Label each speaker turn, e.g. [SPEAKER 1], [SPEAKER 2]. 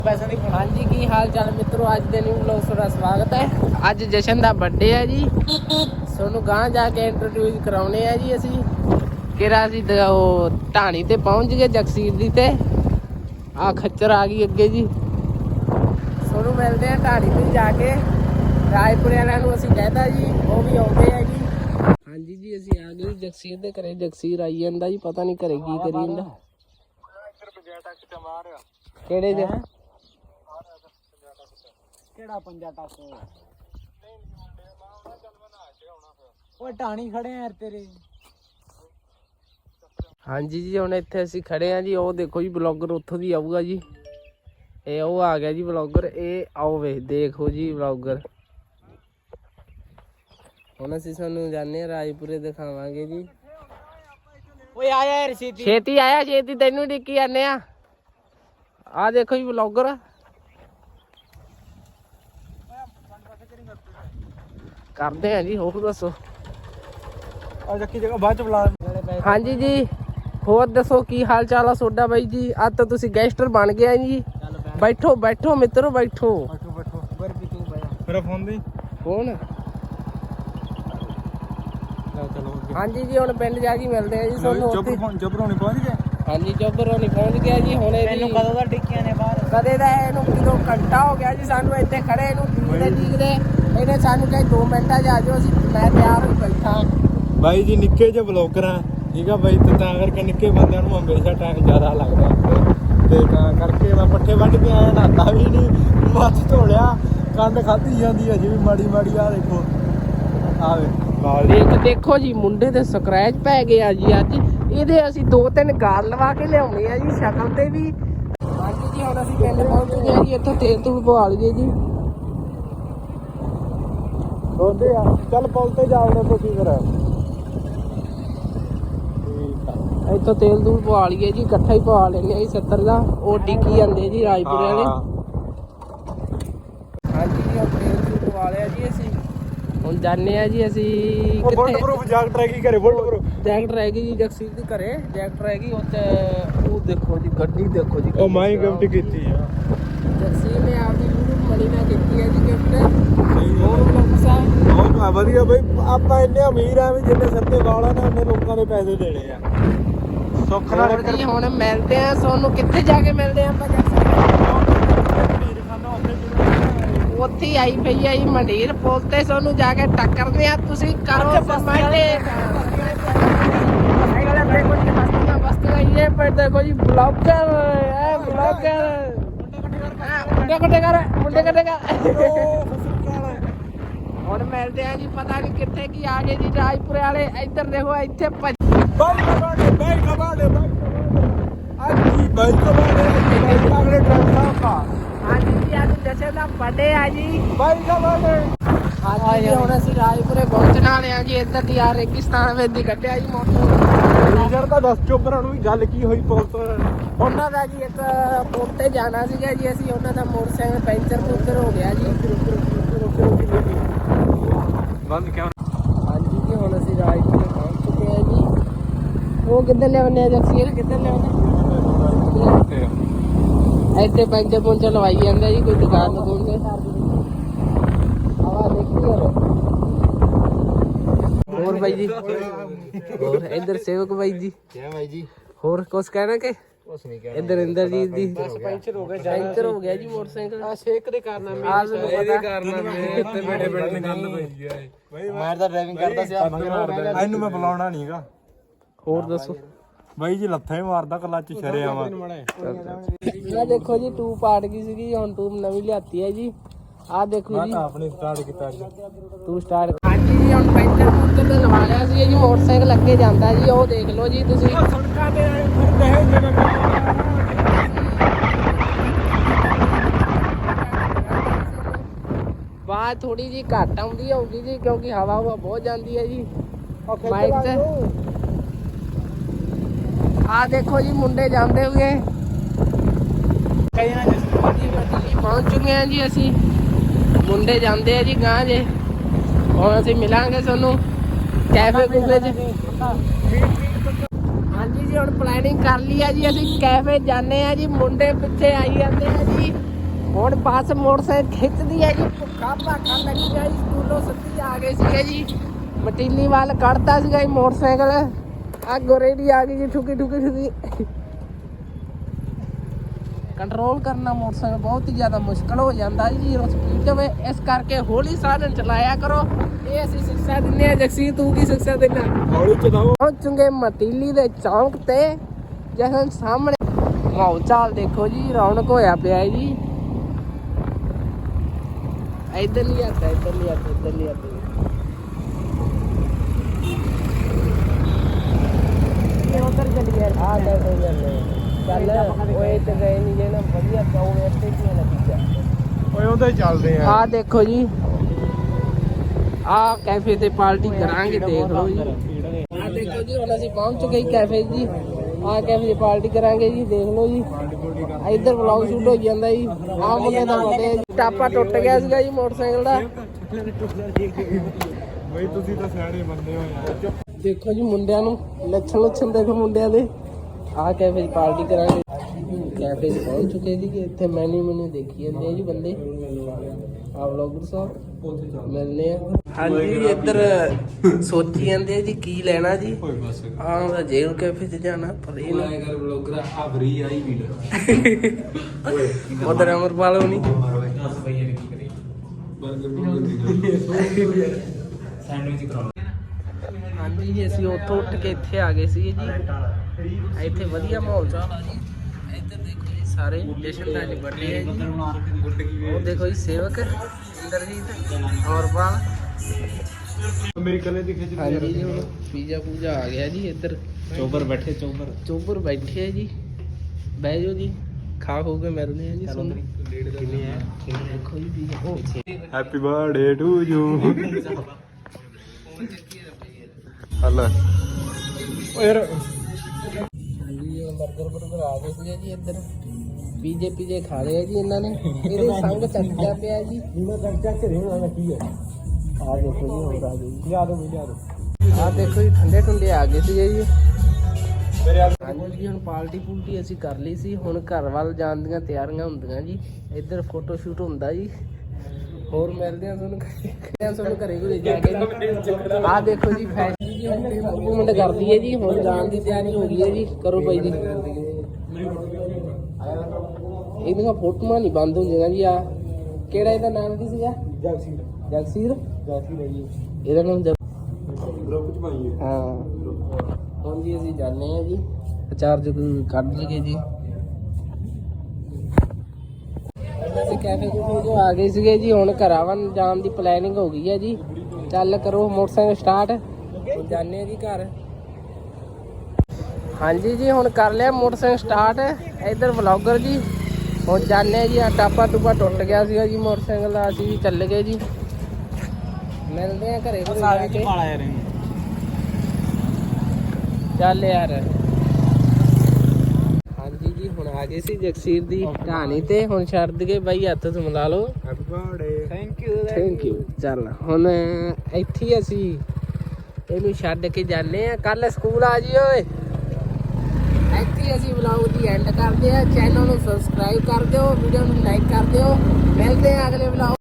[SPEAKER 1] हाँ जी की हाल चाल मित्रों, अज के न्यू ब्लॉग थोड़ा स्वागत है। अज जशन का बर्थडे है जी, सोनू गांह जाके इंट्रोड्यूस कराने है जी। असी किरा असी ढाणी ते पहुंच गए जगसीर दी ते आ खच्चर आ गई अगे जी। सोनू मिलते हैं ढाणी ते जाके, राजपुर वालों असी कहता जी वो भी आते हैं जी। हाँ जी असी आ गए जगसीर दे घरे। जगसीर आई जाता जी, पता नहीं घरे की करी जांदा। केड़े जे
[SPEAKER 2] ਕਿਹੜਾ ਪੰਜਾ ਟੱਕ ਓਏ ਢਾਣੀ ਖੜੇ ਆ ਯਾਰ ਤੇਰੇ।
[SPEAKER 1] ਹਾਂਜੀ ਜੀ ਹੁਣ ਇੱਥੇ ਅਸੀਂ ਖੜੇ ਆ ਜੀ। ਉਹ ਦੇਖੋ ਜੀ ਬਲੌਗਰ ਉੱਥੋਂ ਦੀ ਆਊਗਾ ਜੀ। ਇਹ ਉਹ ਆ ਗਿਆ ਜੀ ਬਲੌਗਰ। ਇਹ ਆਓ ਵੇ ਦੇਖੋ ਜੀ ਬਲੌਗਰ। ਹੁਣ ਅਸੀਂ ਤੁਹਾਨੂੰ ਜਾਣੇ ਰਾਜਪੁਰੇ ਦਿਖਾਵਾਂਗੇ ਜੀ।
[SPEAKER 2] ਓਏ ਆ ਯਾਰ ਛੇਤੀ
[SPEAKER 1] ਛੇਤੀ ਆਇਆ, ਛੇਤੀ ਤੈਨੂੰ ਡਿੱਕੀ ਜਾਂਦੇ ਆ। ਆ ਦੇਖੋ ਜੀ ਬਲੌਗਰ ਕਰਦੇ ਆ ਜੀ। ਹੋਰ ਦੱਸੋ।
[SPEAKER 2] ਆ ਜੱਕੀ ਜਗ੍ਹਾ ਬਾਅਦ ਚ ਬੁਲਾ।
[SPEAKER 1] ਹਾਂਜੀ ਜੀ ਹੋਰ ਦੱਸੋ ਕੀ ਹਾਲ ਚਾਲ ਆ ਤੁਹਾਡਾ ਬਾਈ ਜੀ। ਅੱਜ ਤਾਂ ਤੁਸੀਂ ਗੈਸਟਰ ਬਣ ਗਏ ਜੀ। ਬੈਠੋ ਬੈਠੋ ਮਿੱਤਰੋ ਬੈਠੋ।
[SPEAKER 2] ਬੈਠੋ ਬਰ ਵੀ ਤੂੰ ਬਾਇਆ ਮੇਰਾ ਫੋਨ ਦੀ
[SPEAKER 1] ਕੌਣ।
[SPEAKER 2] ਚਲੋ
[SPEAKER 1] ਹਾਂਜੀ ਜੀ ਹੁਣ ਪਿੰਡ ਜਾ ਕੇ ਮਿਲਦੇ ਆ ਜੀ ਤੁਹਾਨੂੰ।
[SPEAKER 2] ਜਬਰੋਂ ਨਹੀਂ ਪਹੁੰਚ ਗਏ।
[SPEAKER 1] ਹਾਂਜੀ ਜੋਬਰੋਂ ਨਹੀਂ ਪਹੁੰਚ ਗਿਆ ਜੀ। ਹੁਣ
[SPEAKER 2] ਮੈਨੂੰ ਕਦੋਂ ਦਾ ਟਿੱਕੀਆਂ ਨੇ ਬਾਹਰ।
[SPEAKER 1] ਕਦੇ ਦਾ ਇਹਨੂੰ ਕਿਦੋਂ ਘੰਟਾ ਹੋ ਗਿਆ ਜੀ ਸਾਨੂੰ ਇੱਥੇ ਖੜੇ ਇਹਨੂੰ ਡੀਕਦੇ। ਇਹਨੇ ਸਾਨੂੰ ਕਹੇ 2 ਮਿੰਟਾਂ 'ਚ ਆ ਜਾਓ। ਅਸੀਂ ਮੈਂ ਤਿਆਰ ਹੋ ਬੈਠਾ।
[SPEAKER 2] ਬਾਈ ਜੀ ਨਿੱਕੇ ਜਿਹੇ ਬਲੌਗਰ ਆ ਠੀਕ ਆ ਬਾਈ, ਤੇ ਤਾਂ ਕਰਕੇ ਨਿੱਕੇ ਬੰਦਿਆਂ ਨੂੰ ਹਮੇਸ਼ਾ ਟਾਈਮ ਜ਼ਿਆਦਾ ਲੱਗਦਾ ਤੇ ਤਾਂ ਕਰਕੇ ਮੈਂ ਪੱਠੇ ਵੱਢ ਕੇ ਆਇਆ, ਨਹਾਤਾ ਵੀ ਨਹੀਂ, ਮੱਥ ਧੋਲਿਆ, ਕੰਡ ਖਾਧੀ ਜਾਂਦੀ ਹੈ ਜੀ ਵੀ ਮਾੜੀ ਮਾੜੀ। ਆ ਦੇਖੋ ਆਵੇ
[SPEAKER 1] ਦੇਖੋ ਜੀ ਮੁੰਡੇ ਦੇ ਸਕ੍ਰੈਚ ਪੈ ਗਏ ਆ ਜੀ ਅੱਜ। ਇਹਦੇ ਅਸੀਂ 2-3 ਗਾਲ ਲਵਾ ਕੇ ਲਿਆਉਣੇ ਆ ਜੀ ਸ਼ਕਲ ਤੇ ਵੀ। ਹਾਂਜੀ ਜੀ ਹੁਣ ਅਸੀਂ ਪਿੰਡ ਪਹੁੰਚ ਚੁੱਕੇ ਆ ਜੀ। ਇੱਥੋਂ ਤੇਲ ਤੂਲ ਪਵਾ ਲਈਏ ਜੀ।
[SPEAKER 2] ਦੋਦੇ ਆ ਚੱਲ ਪੁੱਲ ਤੇ ਜਾਵੜਾ ਤੁਸੀਂ ਫਿਰ।
[SPEAKER 1] ਇੱਥੋਂ ਤੇਲ ਤੂਲ ਪਵਾ ਲਈਏ ਜੀ, ਇਕੱਠਾ ਹੀ ਪਵਾ ਲੈਣੇ ਆ ਜੀ 70 ਦਾ। ਉਹ ਡਿੱਕੀ ਜਾਂਦੇ ਜੀ ਰਾਜਪੁਰੇ ਵਾਲੇ। ਹਾਂਜੀ ਜੀ ਤੇਲ ਤੂਲ ਪਵਾ ਲਿਆ ਜੀ ਅਸੀਂ। ਹੁਣ ਜਾਣੇ ਆ ਜੀ ਅਸੀਂ
[SPEAKER 2] ਬੁਲਟ ਜੈਕਟ ਰਹਿ ਗਈ ਘਰੇ।
[SPEAKER 1] ਜੈਕਟ ਰਹਿ ਗਈ ਜੀ ਜਗਸੀਰ ਦੇ ਘਰੇ। ਜੈਕਟ ਰਹਿ ਗਈ ਉੱਥੇ। ਉਹ ਦੇਖੋ ਜੀ ਗੱਡੀ ਦੇਖੋ ਜੀ।
[SPEAKER 2] ਉਹ ਮੈਂ ਹੀ ਗਿਫਟ ਕੀਤੀ ਆ।
[SPEAKER 1] ਜਗਸੀਰ ਨੇ ਆਪਦੀ YouTube ਮਨੀ ਨਾਲ ਕੀਤੀ ਹੈ ਜੀ ਗਿਫਟ। ਹੋਰ ਲੋਕ ਸਾਹਿਬ
[SPEAKER 2] ਬਹੁਤ ਵਧੀਆ ਬਈ। ਆਪਾਂ ਇੰਨੇ ਅਮੀਰ ਆ ਵੀ ਜਿੰਨੇ ਸਿਰ ਤੇ ਵਾਲ ਆ ਨਾ ਉਹਨੇ ਲੋਕਾਂ ਦੇ ਪੈਸੇ ਦੇਣੇ ਆ। ਸੁੱਖ ਨਾਲ
[SPEAKER 1] ਜੀ ਹੁਣ ਮਿਲਦੇ ਆ ਤੁਹਾਨੂੰ। ਕਿੱਥੇ ਜਾ ਕੇ ਮਿਲਦੇ ਆ ਆਪਾਂ ਜਗਸੀਰ। ਉੱਥੇ ਆਈ ਪਈ ਆ ਜੀ ਮੰਡੀਰ ਪੁੱਲ ਤੇ। ਤੁਹਾਨੂੰ ਜਾ ਕੇ ਟੱਕਰਦੇ ਆ। ਤੁਸੀਂ ਕਰੋ ਕਮੈਂਟ। ये पर देखो जी ब्लॉगर है, ब्लॉगर मुंडे कटे कर और मिलते हैं जी। पता नहीं कितने की आ गए जी राजपुरे वाले। इधर देखो इतने हाँ जी आज जैसे का बर्थडे है जी। हाँ जी ਹੁਣ ਅਸੀਂ ਰਾਜਪੁਰੇ ਪਹੁੰਚਣ ਵਾਲੇ ਆ ਜੀ। ਇੱਧਰ ਦੀ ਆ ਰੇਗਿਸਤਾਨ ਵਿੱਚ ਦੀ ਕੱਢਿਆ ਜੀ ਮੋਟਰ
[SPEAKER 2] ਤਾਂ ਦੱਸ ਚੋਬਰਾਂ ਨੂੰ ਵੀ ਗੱਲ ਕੀ ਹੋਈ ਪੁੱਲ ਤੋਂ।
[SPEAKER 1] ਉਹਨਾਂ ਦਾ ਜੀ ਇੱਕ ਪੁੱਲ ਤੇ ਜਾਣਾ ਸੀਗਾ ਜੀ ਅਸੀਂ। ਉਹਨਾਂ ਦਾ ਮੋਟਰਸਾਈਕਲ ਪੈਂਚਰ ਹੋ ਗਿਆ ਜੀ।
[SPEAKER 2] ਬੰਦ ਕਿਉਂ।
[SPEAKER 1] ਹਾਂਜੀ ਜੀ ਹੁਣ ਅਸੀਂ ਰਾਜਪੁਰੇ ਪਹੁੰਚ ਚੁੱਕੇ ਆ ਜੀ। ਉਹ ਕਿੱਧਰ ਲਿਆਉਣੇ ਆ ਜਗਸੀਰ, ਕਿੱਧਰ ਲਿਆਉਣੇ ਇੱਥੇ ਪੈਂਚਰ ਲਵਾਈ ਜਾਂਦਾ ਜੀ ਕੋਈ ਦੁਕਾਨ ਦੁਕਾਨ ਤੇ। ਹੋਰ ਬਾਈ ਜੀ ਹੋਰ ਇੱਧਰ ਸੇਵਕ ਬਾਈ ਜੀ।
[SPEAKER 2] ਭਾਈ ਜੀ
[SPEAKER 1] ਹੋਰ ਕੁਛ ਕਹਿਣਾ ਕਿ
[SPEAKER 2] ਕੁਛ ਨਹੀਂ ਕਹਿਣਾ।
[SPEAKER 1] ਇੱਧਰ ਇੰਦਰਜੀਤ ਦੀ
[SPEAKER 2] ਪੈਂਚਰ ਹੋ ਗਿਆ।
[SPEAKER 1] ਪੈਂਚਰ ਹੋ ਗਿਆ ਜੀ ਮੋਟਰਸਾਈਕਲ।
[SPEAKER 2] ਆ ਸ਼ੇਕ ਦੇ ਕਾਰਨਾਮੇ
[SPEAKER 1] ਇਹਦੇ
[SPEAKER 2] ਕਾਰਨਾਮੇ ਇੱਥੇ ਬੜੇ ਬੜੇ ਗੱਲ ਪਈ ਹੈ। ਮੈਂ ਤਾਂ ਡਰਾਈਵਿੰਗ ਕਰਦਾ ਸੀ। ਇਹਨੂੰ ਮੈਂ ਬੁਲਾਉਣਾ ਨਹੀਂਗਾ।
[SPEAKER 1] ਹੋਰ ਦੱਸੋ
[SPEAKER 2] ਬਾਈ ਜੀ ਲੱਥਾ ਹੀ ਮਾਰਦਾ ਕਲੱਚ ਛਰੇ ਆਵਾ।
[SPEAKER 1] ਆ ਦੇਖੋ ਜੀ ਟੂਬ ਪਾਟ ਗਈ ਸੀਗੀ। ਹੁਣ ਟੂਬ ਨਵੀਂ ਲਿਆਤੀ ਹੈ ਜੀ। ਆ ਦੇਖੋ ਜੀ
[SPEAKER 2] ਆਪਣੀ ਸਟਾਰਟ ਕੀਤਾ ਅੱਜ
[SPEAKER 1] ਤੂੰ ਸਟਾਰਟ। ਹਾਂਜੀ ਜੀ ਹੁਣ ਪੈਂਚਰ ਪੁੰਚਰ ਤੇ ਲਵਾ ਲਿਆ ਸੀ ਜੀ। ਮੋਟਰਸਾਈਕਲ ਅੱਗੇ ਜਾਂਦਾ ਜੀ। ਉਹ ਦੇਖ ਲਓ ਜੀ ਤੁਸੀਂ।
[SPEAKER 2] ਸੜਕਾਂ ਤੇ ਫਿਰਦੇ
[SPEAKER 1] ਬਾਅਦ ਥੋੜੀ ਜੀ ਘੱਟ ਆਉਂਦੀ ਹੋਊਗੀ ਜੀ ਕਿਉਂਕਿ ਹਵਾ ਬਹੁਤ ਜਾਂਦੀ ਹੈ ਜੀ ਮਾਈਕ ਤੇ। ਆ ਦੇਖੋ ਜੀ ਮੁੰਡੇ ਜਾਂਦੇ ਹੋਏ। ਪਹੁੰਚ ਚੁੱਕੇ ਆ ਜੀ ਅਸੀਂ। ਮੁੰਡੇ ਜਾਂਦੇ ਆ ਜੀ ਗਾਂ ਜੇ। ਹੁਣ ਅਸੀਂ ਮਿਲਾਂਗੇ ਤੁਹਾਨੂੰ ਕੈਫੇ ਕੂਫੇ 'ਚ। ਹਾਂਜੀ ਜੀ ਹੁਣ ਪਲੈਨਿੰਗ ਕਰ ਲਈ ਆ ਜੀ। ਅਸੀਂ ਕੈਫੇ ਜਾਂਦੇ ਆ ਜੀ। ਮੁੰਡੇ ਪਿੱਛੇ ਆਈ ਜਾਂਦੇ ਆ ਜੀ। ਹੁਣ ਬੱਸ ਮੋਟਰਸਾਈਕਲ ਖਿੱਚਦੀ ਹੈ ਜੀ ਕਾਪਾ ਕਰ ਲੱਗੀ ਆ ਜੀ ਸਕੂਲੋਂ ਸੱਤੀ ਆ ਗਏ ਸੀਗੇ ਜੀ ਮਟੀਲੀ ਵੱਲ ਕੱਢਤਾ ਸੀਗਾ ਜੀ ਮੋਟਰਸਾਈਕਲ ਆ ਗੋਰੇਡੀ ਆ ਗਈ ਜੀ ਠੁਕੀ ਕੰਟਰੋਲ ਕਰਨਾ ਮੋਟਰਸਾਈਕਲ ਬਹੁਤ ਹੀ ਜ਼ਿਆਦਾ ਮੁਸ਼ਕਲ ਹੋ ਜਾਂਦਾ ਜੀ ਸਪੀਡ ਤੇ ਇਸ ਕਰਕੇ ਹੌਲੀ ਸਾਧਨ ਚਲਾਇਆ ਕਰੋ ਇਹ ਅਸੀਂ ਸਿੱਖਿਆ ਦਿੰਦੇ ਆ ਜਗਸੀਰ ਤੂੰ ਕੀ ਸਿੱਖਿਆ ਦਿੰਦਾ
[SPEAKER 2] ਹੌਲੀ ਚਲਾਓ
[SPEAKER 1] ਪਹੁੰਚੂਗੇ ਮਟੀਲੀ ਦੇ ਚੌਂਕ ਤੇ ਜਸ਼ਨ ਸਾਹਮਣੇ ਮਾਹੌਲ ਚਾਲ ਦੇਖੋ ਜੀ ਰੌਣਕ ਹੋਇਆ ਪਿਆ ਜੀ ਇੱਧਰ ਨਹੀਂ ਆਤਾ ਉਧਰ ਚੱਲ ਗਿਆ ਆ ਚੱਲ ਓਏ ਤੇ ਗਏ ਨਹੀਂ ਜੇ ਨਾ ਵਧੀਆ ਪਾਉ ਇੱਥੇ ਕੀ ਲੱਗਿਆ
[SPEAKER 2] ਓਏ ਉਹਦਾ ਹੀ ਚੱਲਦੇ ਆ
[SPEAKER 1] ਆ ਦੇਖੋ ਜੀ ਆ ਕੈਫੇ ਤੇ ਪਾਰਟੀ ਕਰਾਂਗੇ ਦੇਖ ਲਓ ਜੀ ਆ ਦੇਖੋ ਜੀ ਹੁਣ ਅਸੀਂ ਪਹੁੰਚ ਚੁੱਕੇ ਕੈਫੇ ਜੀ ਆ ਕੈਫੇ ਤੇ ਪਾਰਟੀ ਕਰਾਂਗੇ ਜੀ ਦੇਖ ਲਓ ਜੀ ਇੱਧਰ ਵਲੌਗ ਸ਼ੂਟ ਹੋ ਜਾਂਦਾ ਜੀ ਆ ਮੁੰਡੇ ਦਾ ਬਰਥਡੇ ਟਾਪਾ ਟੁੱਟ ਗਿਆ ਸੀਗਾ ਜੀ ਮੋਟਰਸਾਈਕਲ ਦਾ
[SPEAKER 2] ਬਈ ਤੁਸੀਂ ਤਾਂ ਸਿਆਣੇ ਬੰਦੇ ਹੋ ਯਾਰ
[SPEAKER 1] ਦੇਖੋ ਜੀ ਮੁੰਡਿਆਂ ਨੂੰ ਲੱਛਣ ਦੇਖੋ ਮੁੰਡਿਆਂ ਦੇ ਆ ਕੈਫੇ 'ਚ ਪਾਰਟੀ ਕਰਾਂਗੇ ਕੈਫੇ 'ਚ ਪਹੁੰਚ ਚੁੱਕੇ ਜੀ ਇੱਥੇ ਮੈਨੂ ਦੇਖੀ ਜਾਂਦੇ ਆ ਜੀ ਬੰਦੇ ਆ ਵਲੌਗਰ ਸਾਹਿਬ ਮਿਲਨੇ ਆ ਹਾਂਜੀ ਇੱਧਰ ਸੋਚੀ ਜਾਂਦੇ ਆ ਜੀ ਕੀ ਲੈਣਾ ਜੀ ਆ ਜੇਲ ਕੈਫੇ 'ਚ ਜਾਣਾ ਪਰ ਇਹ ਨਾ
[SPEAKER 2] ਕਰ ਵਲੌਗਰ ਆ ਫਰੀ ਆਈ ਵੀਡੀਓ
[SPEAKER 1] ਉਧਰ ਅਮਰਪਾਲ ਹੋਣੀ
[SPEAKER 2] 10 ਰੁਪਏ ਦੀ ਕੀ ਕਰੀ ਬਰਗਰ ਸੈਂਡਵਿਚ ਕਰਾਉਣਾ
[SPEAKER 1] ਹਾਂਜੀ ਜੀ ਅਸੀਂ ਉੱਥੋਂ ਉੱਠ ਕੇ ਇੱਥੇ ਆ ਗਏ ਸੀ ਜੀ ਇੱਥੇ ਵਧੀਆ ਮਾਹੌਲ ਚਾਲ ਆ ਜੀ ਇੱਧਰ ਦੇਖੋ ਜੀ ਸਾਰੇ ਜਸ਼ਨ ਦਾ ਜੀ ਬਰਥਡੇ ਹੈ ਜੀ ਉਹ ਦੇਖੋ ਜੀ ਸੇਵਕ ਇੰਦਰਜੀਤ ਔਰਪਾਲ
[SPEAKER 2] ਮੇਰੀ ਕੱਲੇ ਦੀ ਖਿੱਚ
[SPEAKER 1] ਹਾਂਜੀ ਜੀ ਹੁਣ ਪੀਜ਼ਾ ਪੂਜਾ ਆ ਗਿਆ ਜੀ ਇੱਧਰ
[SPEAKER 2] ਚੋਬਰ ਬੈਠੇ
[SPEAKER 1] ਚੋਬਰ ਬੈਠੇ ਆ ਜੀ ਬਹਿ ਜਾਓ ਜੀ ਖਾ ਹੋ ਕੇ ਮਿਲਦੇ ਆ ਜੀ ਸੁਣ
[SPEAKER 2] ਕਿੰਨੇ ਆ
[SPEAKER 1] ਦੇਖੋ ਜੀ pizza
[SPEAKER 2] happy birthday to you ਹਲਾ ਓ ਯਾਰ
[SPEAKER 1] ਹਾਂਜੀ ਬਰਗਰ ਆ ਗਏ ਸੀਗੇ ਜੀ ਇੱਧਰ ਪੀਜੇ ਖਾ ਲਏ ਆ ਜੀ ਇਹਨਾਂ ਨੇ ਇਹਦੇ ਸੰਗ ਚੱਕਿਆ ਪਿਆ ਜੀ
[SPEAKER 2] ਇਹਨਾਂ ਦਾ ਚੱਕ ਰਿਹਾ ਕੀ ਹੈ
[SPEAKER 1] ਆ ਦੇਖੋ ਜੀ ਹੋਰ ਆ ਗਏ ਜੀ
[SPEAKER 2] ਲਿਆ ਦੋ
[SPEAKER 1] ਆ ਦੇਖੋ ਜੀ ਠੰਡੇ ਠੰਡੇ ਆ ਗਏ ਸੀਗੇ ਜੀ
[SPEAKER 2] ਮੇਰੇ ਯਾਰ
[SPEAKER 1] ਹਾਂਜੀ ਜੀ ਹੁਣ ਪਾਰਟੀ ਪੂਲਟੀ ਅਸੀਂ ਕਰ ਲਈ ਸੀ ਹੁਣ ਘਰ ਵੱਲ ਜਾਣ ਦੀਆਂ ਤਿਆਰੀਆਂ ਹੁੰਦੀਆਂ ਜੀ ਇੱਧਰ ਫੋਟੋ ਸ਼ੂਟ ਹੁੰਦਾ ਜੀ ਹੋਰ ਮਿਲਦੇ ਆ ਤੁਹਾਨੂੰ ਘਰੇ ਘਰੇ ਜਾ ਕੇ ਆ ਦੇਖੋ ਜੀ ਫੈਸ਼ਨ ਜੀ ਹੁਣ ਮੂਵਮੈਂਟ ਕਰਦੀ ਹੈ ਜੀ ਹੁਣ ਜਾਣ ਦੀ ਤਿਆਰੀ ਹੋ ਗਈ ਹੈ ਜੀ ਕਰੋ ਬਾਈ ਜੀ ਇਹਦੀਆਂ ਫੋਟੋਆਂ ਨਹੀਂ ਬੰਦ ਹੁੰਦੀਆਂ ਜੀ ਆ ਕਿਹੜਾ ਇਹਦਾ ਨਾਮ ਕੀ ਸੀਗਾ ਜਗਸੀਰ ਹੈ ਜੀ ਇਹਦਾ ਨਾਮ
[SPEAKER 2] ਗਰੁੱਪ ਚ ਪਾਈਏ
[SPEAKER 1] ਹਾਂ ਹੁਣ ਜੀ ਅਸੀਂ ਜਾਂਦੇ ਆ ਜੀ ਚਾਰਜ ਕੱਢ ਲਈਏ ਜੀ ਅਸੀਂ ਕੈਫੇ ਜੋ ਆ ਗਏ ਸੀਗੇ ਜੀ ਹੁਣ ਘਰਾਂ ਵੱਲ ਜਾਣ ਦੀ ਪਲੈਨਿੰਗ ਹੋ ਗਈ ਹੈ ਜੀ ਚੱਲ ਕਰੋ ਮੋਟਰਸਾਈਕਲ ਸਟਾਰਟ ਜਾਂਦੇ ਆ ਜੀ ਘਰ ਹਾਂਜੀ ਜੀ ਹੁਣ ਕਰ ਲਿਆ ਮੋਟਰਸਾਈਕਲ ਸਟਾਰਟ ਇੱਧਰ ਵਲੌਗਰ ਜੀ ਹੁਣ ਜਾਂਦੇ ਆ ਜੀ ਆ ਟਾਪਾ ਟੂਪਾ ਟੁੱਟ ਗਿਆ ਸੀਗਾ ਜੀ ਮੋਟਰਸਾਈਕਲ ਦਾ ਅਸੀਂ ਵੀ ਚੱਲ ਗਏ ਜੀ ਮਿਲਦੇ ਆ ਘਰੇ ਜਾ ਕੇ ਚੱਲ ਯਾਰ ਹਾਂਜੀ ਜੀ ਹੁਣ ਆ ਗਏ ਸੀ ਜਗਸੀਰ ਦੀ ਕਹਾਣੀ ਤੇ ਹੁਣ ਛੱਡ ਦਈਏ ਬਾਈ ਹੱਥ ਤੋਂ ਮਿਲਾ ਲਓ
[SPEAKER 2] ਹੈਪੀ ਬਰਥਡੇ
[SPEAKER 1] ਥੈਂਕ ਯੂ ਚੱਲ ਹੁਣ ਇੱਥੇ ਹੀ ਅਸੀਂ ਇਹਨੂੰ ਛੱਡ ਕੇ ਜਾਂਦੇ ਆ ਕੱਲ ਸਕੂਲ ਆ ਜੀ ਓਏ ਇੱਥੇ ਹੀ ਅਸੀਂ ਵਲੌਗ ਦੀ ਐਂਡ ਕਰਦੇ ਆ ਚੈਨਲ ਨੂੰ ਸਬਸਕ੍ਰਾਈਬ ਕਰ ਦਿਓ ਵੀਡੀਓ ਨੂੰ ਲਾਈਕ ਕਰ ਦਿਓ ਮਿਲਦੇ ਆ ਅਗਲੇ ਵਲੌਗ